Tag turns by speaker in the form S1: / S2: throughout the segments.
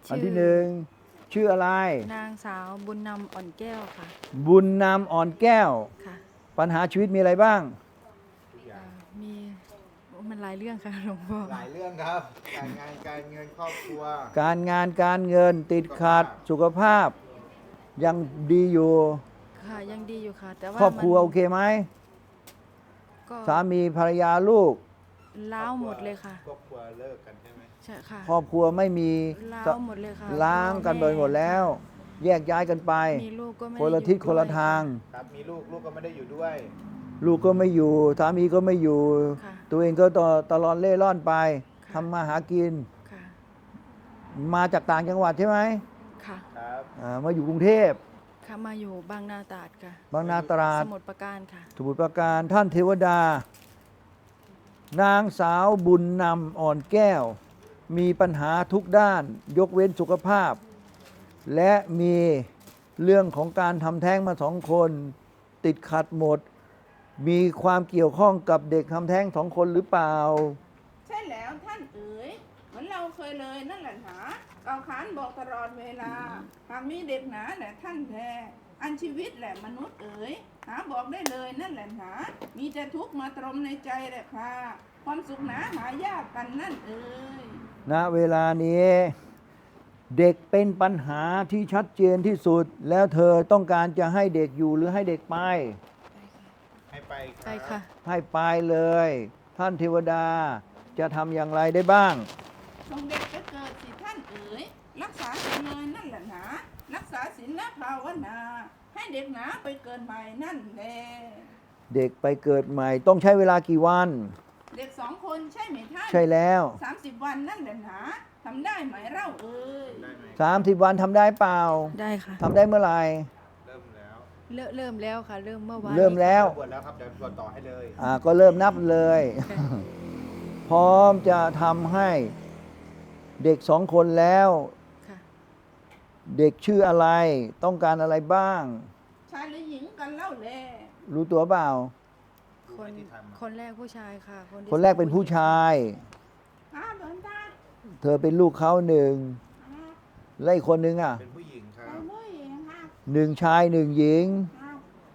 S1: อันที่หนึ่งชื่ออะไร
S2: นางสาวบุญนำอ่อนแก้วค่ะ
S1: บุญนำอ่อนแก้ว
S2: ค่ะ
S1: ปัญหาชีวิตมีอะไรบ้าง
S2: มีมันหลายเรื่องค่ะหลวงพ่อ
S3: หลายเรื่องครับ การงานการเงินครอบครัว
S1: การงานการเงินติดขัดสุขภาพ ยังดีอยู่
S2: ค่ะยังดีอยู่ค่ะ แต่ว่า
S1: ครอบครัว
S2: มัน
S1: โอเคไหม
S2: ก็
S1: สามีภรรยาลูก
S2: ล้าวหมดเลยค่ะ
S3: ครอบครัวเลิกกันใช่ไหม
S2: ใช่ค่ะ
S1: ครอบครัวไม่มี
S2: ล้าวหมดเลยค่ะ
S1: ล้างกันไปหมดแล้ว แยกย้ายกันไป
S2: มีลูกก็ไม่
S1: คนละทิศคนละทาง
S3: ครับ มีลูกลูกก็ไม่ได้อยู่ด้วย
S1: ลูกก็ไม่อยู่สามีก็ไม่อยู่
S2: ค่ะ
S1: ตัวเองก็ตลอดเล่ร่อนไป
S2: ค่ะ
S1: ทำมาหากิน
S2: ค่ะ
S1: มาจากต่างจังหวัดใช่ไหม
S2: ค่ะ
S3: ครับ
S1: มาอยู่กรุงเทพ
S2: ค่ะมาอยู่บางนาตราดค่ะ
S1: บางนาตราด
S2: สมุทรปราการค่ะ
S1: สมุทรปราการท่านเทวดา นางสาวบุญนำอ่อนแก้ว มีปัญหาทุกด้าน ยกเว้นสุขภาพ และมีเรื่องของการทำแท้งมา2 คน ติดขัดหมด มีความเกี่ยวข้องกับเด็กทำแท้ง2 คนหรือเปล่า
S4: ใช่แล้วท่านเอ๋ยเหมือนเราเคยเลยนั่นแหละหนาเก่าขานบอกตลอดเวลา หากมีเด็กหนาแหละท่านแท้อันชีวิตแหละมนุษย์เอ๋ยหาบอกได้เลยนั่นแหละหนามีแต่ทุกข์มาตรมในใจแหละค่ะความสุขหนาหายากกันนั่นเอ๋ย
S1: ณเวลานี้ เด็กเป็นปัญหาที่ชัดเจนที่สุด แล้วเธอต้องการจะให้เด็กอยู่หรือให้เด็กไป
S3: ให้ไปค
S2: ไป
S3: รับ
S2: ค่ะ
S1: ให้ไปเลย ท่านเทวดาจะทำอย่างไรได้บ้าง
S4: ส่งเด็กไปเกิดสิท่านเอ๋ยรักษาศีลเลยนั่นแหละหนารักษาศีลและภาวนา ให้เด็กหนาไปเกิดใหม่นั่นแหละ
S1: เด็กไปเกิดใหม่ต้องใช้เวลากี่วัน
S4: เด็ก2 คนใช่ไหมท่าน
S1: ใช่แล้ว
S4: 30 วันนั่นแหละหนาทำได้ไหมเล่าเอ้ย
S3: ได้ไหม
S1: 30 วันทำได้เปล่า
S2: ได้ค่ะ
S1: ทำได้เมื่อไหร่
S3: เริ่มแล้ว
S2: เริ่มแล้วค่ะ เริ่มเมื่อวาน
S1: เริ่มแล้ว
S3: บวชแล้วครับ เดี๋ยวบวชต่อให้เลย
S1: ก็เริ่มนับเลย พร้อมจะทำให้เด็ก2 คนแล้ว
S2: ค่ะ
S1: เด็กชื่ออะไร ต้องการอะไรบ้าง
S4: ชายหรือหญิงกันเล่าแล
S1: รู้ตัวเปล่า
S2: คนคนแรกผู้ชายค่ะที่
S1: คนแรกเป็นผู้ชาย
S4: ครับหลวงตา
S1: เธอเป็นลูกเขา1
S4: ครับ
S1: และอีกคนนึงอ่ะ
S3: เป็นผู้หญิงครั
S4: เป็
S3: บ
S4: นผู้หญิงครับ
S1: 1 ชาย 1 หญิง
S4: ครับ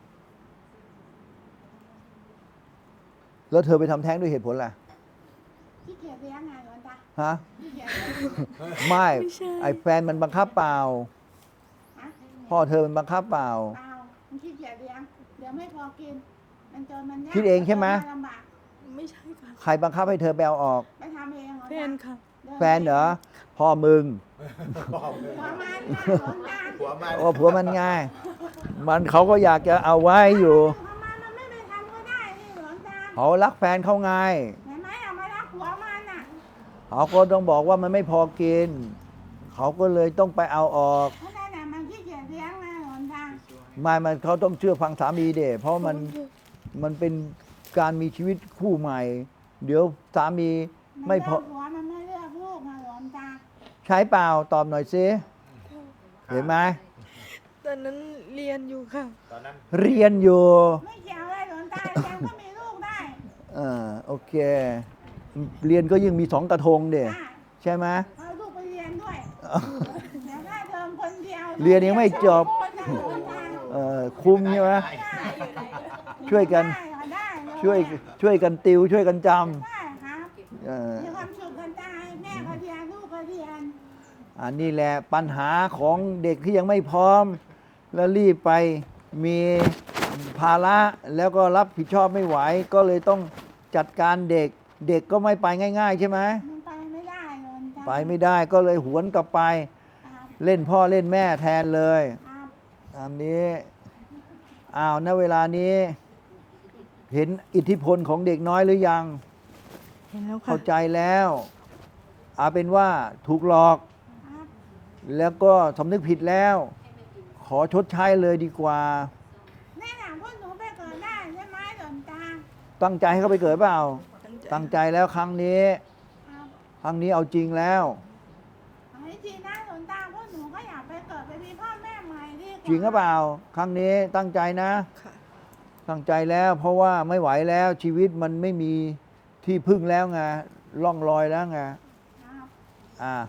S1: แล้วเธอไปทำแท้งด้วยเหตุผลอะไร
S4: ขี้เกียจเลี้ยงไงหลวงตา
S1: ฮะ
S4: ขี้เกียจเลี้ยง
S1: ไม่ ไอ้แฟนมันบังคับเปล่า
S4: ฮะ
S1: พ่อเธอมันบังคับเปล่า
S4: เปล่ามันขี้เกียจเลี้ยงเดี๋ยวไม่พอกิน มันจนมันยาก
S1: คิดเองใช่ไหม
S4: นลำบาก
S2: ไม่ใช่ค่ะ
S1: ใครบังคับให้เธอไปเอาออก
S4: ไปทำเองหลวง
S2: แฟ
S4: ตาน
S2: ค่ะ
S1: แฟนเหรอ พ่อมึง
S3: บอกเลย
S4: หัวมันนะหลวงตา
S3: หัวมัน
S1: โอ้ผัวมันง่าย มันเขาก็อยากจะเอาไว้อยู่
S4: หัวมันไม่ไปทำก็ได้นี่หลวงตา
S1: เขารักแฟนเขาไง
S4: เห็นไหมเอามารักหัวมันน่ะ
S1: เขาก็ต้องบอกว่ามันไม่พอกิน เขาก็เลยต้องไปเอาออก
S4: เพราะนั่นน่ะมันขี้เกียจเลี้ยงนะหลวงตา
S1: มันเขาต้องเชื่อฟังสามีเด็เพราะมันเป็นการมีชีวิตคู่ใหม่ เดี๋ยวสามีไม่พอ
S4: นเลือกหัวมันไม่เลือกลูกนะหลวงตา
S1: ใช้เปล่าตอบหน่อยสิเห็นไหม
S2: ตอนนั้นเรียนอยู่ค่ะ
S3: ตอนนั้น
S1: เรียนอยู่
S4: ไม่เกี่ยวเลยหลวงตายังก็มีลูกได้
S1: โอเค เรียนก็ยิ่งมี2 กระทงเด็
S4: ได้
S1: ใช่ไหม
S4: เอาลูกไปเรียนด้วยแต่ถ้าเทอมคนเดียว
S1: เรียนยังไม่จบ
S4: โคตรนะหลวงตา
S1: คุ้มใช่ไหม ช่วยกัน
S4: ได้เลย
S1: ช่วยกันติวช่วยกันจ
S4: ได้ครับ
S1: ำ
S4: มีความสุขกันตายแม่ก็เรียนลูกก็เรียน
S1: อันนี้แหละปัญหาของเด็กที่ยังไม่พร้อม แล้วรีบไปมีภาระแล้วก็รับผิดชอบไม่ไหว ก็เลยต้องจัดการเด็ก เด็กก็ไม่ไปง่าย ๆ ใช่ไหม
S4: มันไปไม่ได้หลวงตา
S1: ไปไม่ได้ก็เลยหวนกลับไป
S4: ครับ
S1: เล่นพ่อเล่นแม่แทนเลย
S4: ครับ
S1: อันนี้ณเวลานี้ เห็นอิทธิพลของเด็กน้อยหรือยัง
S2: เห็นแล้วค่ะ
S1: เข้าใจแล้วเอาเป็นว่าถูกหลอก
S4: ครับ
S1: แล้วก็สำนึกผิดแล้ว ขอชดใช้เลยดีกว่า
S4: แม่หนังพวกหนูไปเกิดได้ใช่ไหมหลวงตา
S1: ตั้งใจให้เขาไปเกิดเปล่า
S2: ตั้งใจ
S1: ตั้งใจแล้วครั้งนี้
S4: ครับ
S1: ครั้งนี้เอาจริงแล้ว
S4: เอาให้จริงนะหลวงตาพวกหนูก็อยากไปเกิดไปมีพ่อแม่ใหม่ดีกว่า
S1: จริงหรือเปล่า ครั้งนี้ตั้งใจนะ
S2: ค่ะ
S1: ตั้งใจแล้ว เพราะว่าไม่ไหวแล้วชีวิตมันไม่มีที่พึ่งแล้วไงล่องลอยแล้วไง
S4: ครับ
S1: อ่า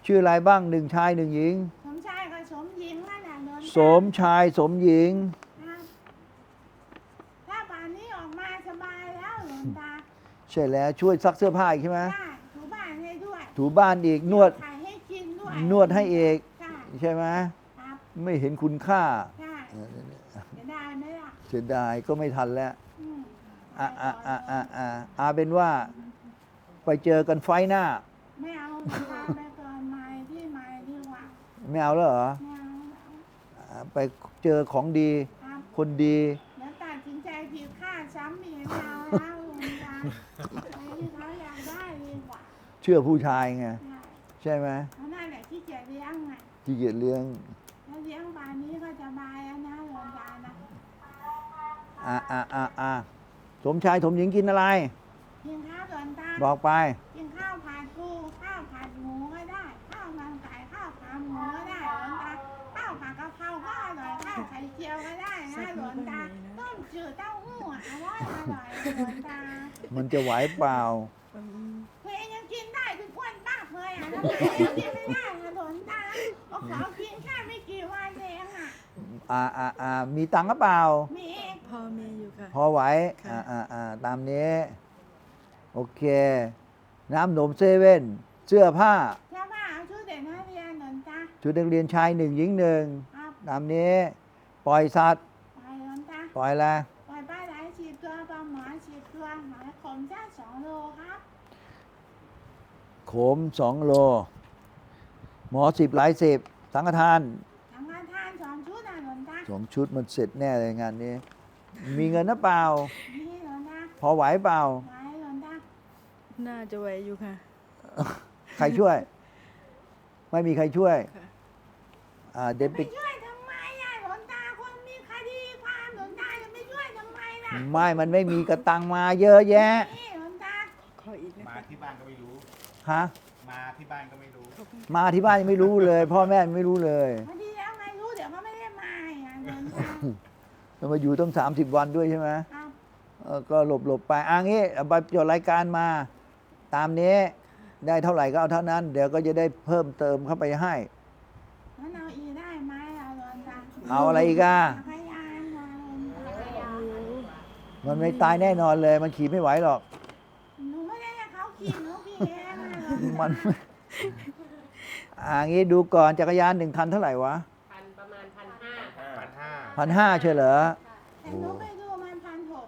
S1: ชื่ออะไรบ้างหนึ่งชายหนึ่งหญิง
S4: สมชายกับสมหญิงนั่นแหละหลวงตา
S1: สมชายสมหญิง
S4: ครับถ้าป่านนี้ออกมาสบายแล้วหลวงตา
S1: ใช่แล้วช่วยซักเสื้อผ้าอีกใช่ไหม
S4: ได้ถูบ้านให้ด้วย
S1: ถูบ้านอีกนวด
S4: ขายให้กินด้วย
S1: นวดให้เอก
S4: ใช่
S1: ใช่ไหม
S4: ครับ
S1: ไม่เห็นคุณค่า
S4: ใช่จะได้ไหมล่ะ
S1: เสียดายก็ไม่ทันแล้ว
S4: อืม
S1: อาเป็นว่า ไปเจอกันไฟท์หน้า
S4: ไม่เอาตามไปก่อนไม้ที่ไม้ดีกว่า
S1: ไม่เอาแล้วเหรอ
S4: ไม่เอาแล้ว
S1: ไปเจอของดี
S4: ครับ
S1: คนดี
S4: แล้วตัดสินใจผิดค่าดซ้ำอีกแล้วนะหลวงตาไปที่เขาอยากได้ดีกว่า
S1: เชื่อผู้ชายไง
S4: ใช่
S1: ใช่ไหม
S4: เพราะนั่นแหละที่เกียจเลี้ยงไง
S1: ที่เกียจเลี้ยง
S4: ถ้าเลี้ยงป่านนี้ก็สบายแล้วนะหลวงตานะ
S1: สมชายสมหญิงกินอะไร
S4: กินข้าวหลวงตา
S1: บอกไป
S4: กินข้าวผัดปูข้าวผัดหมูก็ได้ ข้าวมันไก่ข้าวขาหมูก็ได้หลวงตาข้าวผัดกะเพราก็อร่อยข้าวไข่เจียวก็ได้นะหลวงตาต้มจืดเต้าหู้อ่ะอร่อยหลวงตา
S1: มันจะไหวเปล่า
S4: เฮ้ยยังกินได้ทุกคนป้าเคยอ่ะทำไมยังกินไม่ได้อะหลวงตาก็ขอกินแค่ไม่กี่วันเองอ่ะ
S1: มีตังค์หรือเปล่า
S4: มี
S2: พอมีอยู่ค่ะ
S1: พอไหว
S2: ค่ะ
S1: ตามนี้ โอเค น้ำนมเซเว่น เสื้อผ้า
S4: เชื่อว่าเอาชุดเด็กนักเรียนหลวงตา
S1: ชุดนักเรียนชายหนึ่งหญิงหนึ่ง
S4: ครับ
S1: ตามนี้ ปล่อยสัตว์
S4: ไปหลวงตา
S1: ปล่อยอะไร
S4: ปล่อยปลาไหล10 ตัวปลาหมอ10 ตัวหอยขมจ้า2 โลครับ
S1: โขม2 โล หมอ10หลายสิบสังฆทาน
S4: สังฆทาน2 ชุดนะหลวงตา
S1: 2 ชุดมันเสร็จแน่เลยงานนี้ มีเงินหรือเปล่า
S4: นี่หลวงตา
S1: พอไหวเปล่า
S4: ไว้หลวงตา
S2: น่าจะไหวอยู่ค่ะ
S1: ใครช่วย ไม่มีใครช่วย
S2: ค่ะ
S1: เดี๋ยวไป
S4: ไม่ช่วยทำไมอ่ะหลวงตาคนมีคดีความหลวงตาจะไม่ช่วยทำไมล่ะ
S1: ไม่มันไม่มีกระตังมาเยอะแยะ
S4: นี่หลวงตา
S2: ขออีกนะ
S3: มา
S2: คะ
S3: ที่บ้านก็ไม่รู้
S1: ฮะ
S3: มาที่บ้านก็ไม่รู้
S2: ขอบคุณ
S1: มาที่บ้านยังไม่รู้เลย พ่อแม่ไม่รู้เลย
S4: พอดีแล้วไงรู้เดี๋ยวเขาไม่ได้มาอ่ะหลวงตา
S1: จะมาอยู่ต้อง30 วันด้วยใช่ไหม
S4: ครับ
S1: ก็หลบไปงี้เอาไปจดรายการมา ตามนี้ ได้เท่าไหร่ก็เอาเท่านั้น เดี๋ยวก็จะได้เพิ่มเติมเข้าไปให้
S4: งั้นเอาอีได้ไหมอ่ะหลวงตา
S1: เอาอะไรอีกอ่ะ
S4: พยานมาหลวงตา
S1: มันไม่ตายแน่นอนเลย มันขี่ไม่ไหวหรอก
S4: หนูไม่ได้ให้เขาขี่หนูขี่เองอ่ะหลวง
S1: มั
S4: ตา
S1: น งี้ดูก่อนจักรยาน1 คันเท่าไหร่วะ
S5: ประมาณ1,500
S3: 1,500
S1: 1,500ใช่เหรอ
S4: แต่หนูไปดูมัน1,600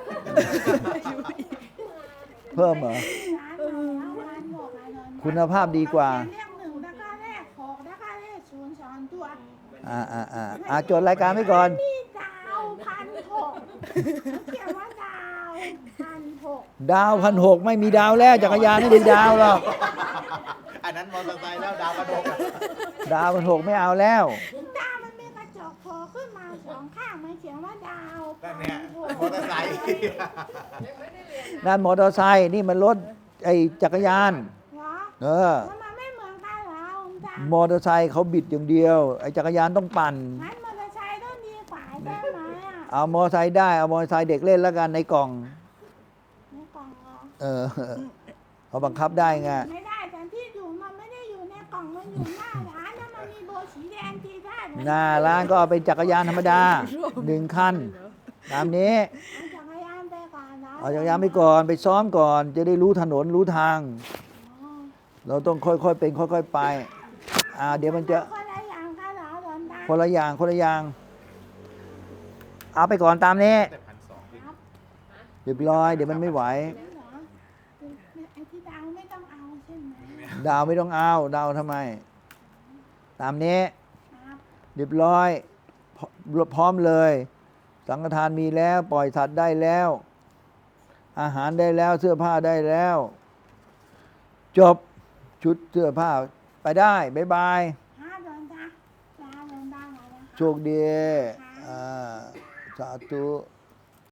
S1: เพิ่มเหรอ
S4: ร้านเรา1,600อ่ะหลวงตา
S1: คุณภาพดีกว่า
S4: เรียก1แล้วก็เลข6แล้วก็เลข0 2 ตัว
S1: จดรายการไว้ก่อน
S4: มีดาว1,600เขียนว่าดาว1,600
S1: ดาว1,600ไม่มีดาวแล้วจักรยานไม่มีดาวหรอก
S3: อันนั้นมอเตอร์ไซค์แล้วดาวกระโดด
S1: ดาว1,600ไม่เอาแล้ว
S4: ดาวมันมีกระจกโผล่ขึ้นมา2 ข้างมันเขียนว่าดาว
S3: นั่นเนี่ยมอเตอร์ไซค์
S1: นั่นมอเตอร์ไซค์นี่มันรถไอ้จักรยาน
S4: เหรอ
S1: เออ
S4: แล้วมันไม่เหมือนกันเหรอคุณตาม
S1: อเตอร์ไซค์เขาบิดอย่างเดียว ไอ้จักรยานต้องปั่น
S4: งั้นมอเตอร์ไซค์ต้องดีกว่าใช่ไหมอ่ะ
S1: เอามอเตอร์ไซค์ได้ เอามอเตอร์ไซค์เด็กเล่นแล้วกันในกล่อง
S4: ในกล่องเหรอ
S1: เออเขาบังคับได้ไง
S4: ไม่ได้แต่ที่อยู่มันไม่ได้อยู่ในกล่องมันอยู่หน้าร้านแล้วมันมีโบสีแดงตีได้ไหม
S1: หน้าร้านก็เอาเป็นจักรยานธรรมดา 1 คัน ตามนี้
S4: เอาจักรยานไปก่อนนะ
S1: เอาจักรยานไปก่อนไปซ้อมก่อน จะได้รู้ถนนรู้ทาง
S4: อ๋อ
S1: เราต้องค่อยๆเป็นค่อยๆไป เดี๋ยวมันจะ
S4: คนละอย่างกันเหรอหลวงตา
S1: คนละอย่างคนละอย่าง เอาไปก่อนตามนี้
S3: แต่1,200พี่
S4: ครับ
S1: เรียบร้อย เดี๋ยวมันไม่ไหว
S4: นี่เหรอไอ้ที่ดาวไม่ต้องเอาใช่ไหม
S1: ดาวไม่ต้องเอา ดาวทำไม ตามนี้
S4: ครับ
S1: เรียบร้อยพร้อมเลย สังฆทานมีแล้ว ปล่อยสัตว์ได้แล้ว อาหารได้แล้ว เสื้อผ้าได้แล้ว จบชุดเสื้อผ้าไปได้บ๊ายบาย
S4: ครับหลวงตาลาหลวงตาหน่อยนะคะ
S1: โชคดีสาธุ